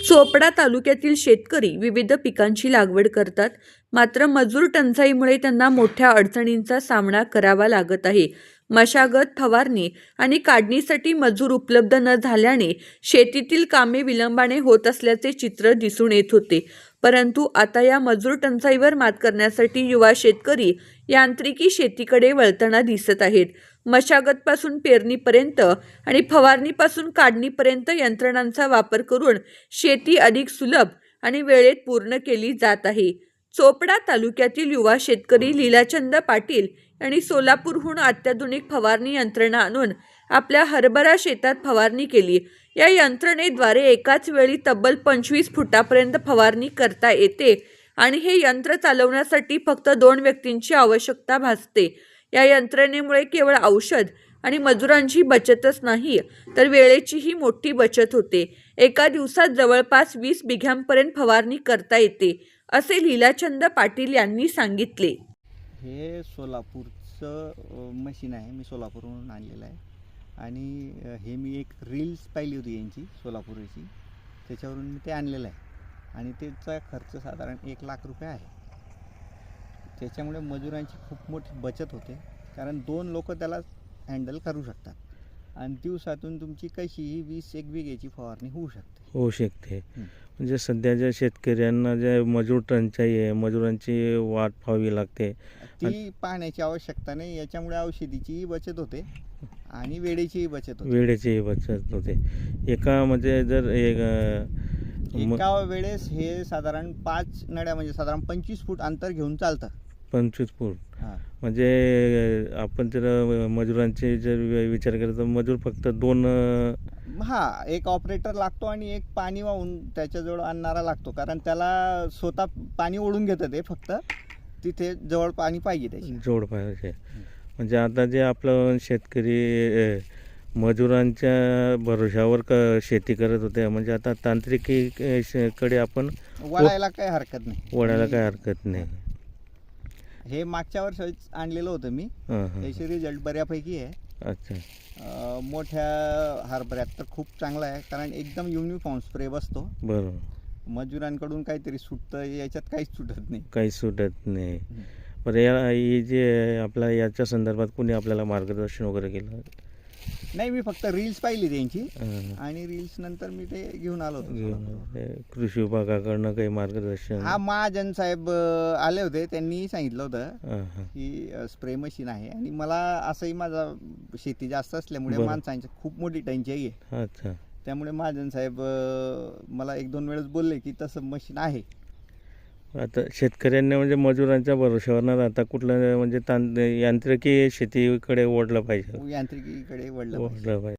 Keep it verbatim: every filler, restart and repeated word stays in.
चोपडा तालुक्यातील शेतकरी विविध पिकांची लागवड करतात, मात्र मजूर टंचाईमुळे त्यांना मोठ्या अडचणींचा सामना करावा लागत आहे. मशागत, फवारणी आणि काढणीसाठी मजूर उपलब्ध न झाल्याने शेतीतील कामे विलंबाने होत असल्याचे चित्र दिसून येत होते. परंतु आता या मजूर टंचाईवर मात करण्यासाठी युवा शेतकरी यांत्रिकी शेतीकडे वळताना दिसत आहेत. मशागतपासून पेरणीपर्यंत आणि फवारणीपासून काढणीपर्यंत यंत्रणांचा वापर करून शेती अधिक सुलभ आणि वेळेत पूर्ण केली जात आहे. चोपडा तालुक्यातील युवा शेतकरी लीलाचंद पाटील यांनी सोलापूरहून अत्याधुनिक फवारणी यंत्रणा आणून आपल्या हरभरा शेतात फवारणी केली. या यंत्रणेद्वारे एकाच वेळी तब्बल पंचवीस फुटापर्यंत फवारणी करता येते आणि हे यंत्र चालवण्यासाठी फक्त दोन व्यक्तींची आवश्यकता भासते. या यंत्रणेमुळे केवळ औषध आणि मजुरांची बचतच नाही, तर वेळेचीही मोठी बचत होते. एका दिवसात जवळपास वीस बिघ्यांपर्यंत फवारणी करता येते, असे लीलाचंद पाटील यांनी सांगितले. हे सोलापूरचं मशीन आहे, मी सोलापूरहून आणलेलं आहे आणि हे मी एक रील्स पाहिली होती यांची सोलापूरची, त्याच्यावरून मी ते आणलेलं आहे आणि त्याचा खर्च साधारण एक लाख रुपये आहे. त्याच्यामुळे मजुरांची खूप मोठी बचत होते, कारण दोन लोक त्याला हँडल करू शकतात आणि दिवसातून तुमची कशीही वीस एक बिघ्याची फवारणी होऊ शकते होऊ शकते म्हणजे सध्याच्या शेतकऱ्यांना जे मजूर टंचाई आहे, मजुरांची वाट पाहावी लागते, ती पाहण्याची आवश्यकता नाही. याच्यामुळे औषधीचीही बचत होते आणि वेळेचीही बचत होते वेळेचीही बचत होते. एका म्हणजे जर एक एका वेळेस हे साधारण पाच नड्या म्हणजे साधारण पंचवीस फूट अंतर घेऊन चालतं. पंचवीस फूट म्हणजे आपण जर मजुरांचे जर विचार केला तर मजूर फक्त दोन, हा एक ऑपरेटर लागतो आणि एक पाणी वाहून त्याच्याजवळ आणणारा लागतो, कारण त्याला स्वतः पाणी ओढून घेतं ते, फक्त तिथे जवळ पाणी पाहिजे त्याची जोड पाहिजे. म्हणजे आता जे आपलं शेतकरी मजुरांच्या भरोशावर क शेती करत होते, म्हणजे आता तांत्रिकीकडे आपण वळायला काही हरकत नाही वळायला काही हरकत नाही. हे मागच्या वर्षीच आणलेलं होतं मी, त्याचे रिझल्ट बऱ्यापैकी आहे. अच्छा, मोठ्या हरभऱ्यात तर खूप चांगला आहे, कारण एकदम युनिफॉर्म स्प्रे बसतो. बरोबर. मजुरांकडून काहीतरी सुटतं, याच्यात काहीच सुटत नाही काही सुटत नाही. बरं, या ही जे आपल्या याच्या संदर्भात कोणी आपल्याला मार्गदर्शन वगैरे केलं? नाही, मी फक्त रील्स पाहिली त्यांची आणि रील्स नंतर मी ते घेऊन आलो होतो. कृषी विभागाकडनं काही मार्गदर्शन? हा, महाजन साहेब आले होते, त्यांनी सांगितलं होतं की स्प्रे मशीन आहे आणि मला असंही माझा शेती जास्त असल्यामुळे माणसांची खूप मोठी टंचाई आहे. अच्छा, त्यामुळे महाजन साहेब मला एक दोन वेळेस बोलले की तसं मशीन आहे. आता शेतकऱ्यांनी म्हणजे मजुरांच्या भरोशावर न राहता कुठलं म्हणजे तां यांत्रिकी शेतीकडे ओढलं पाहिजे यांत्रिकीकडे वळलं ओढलं पाहिजे.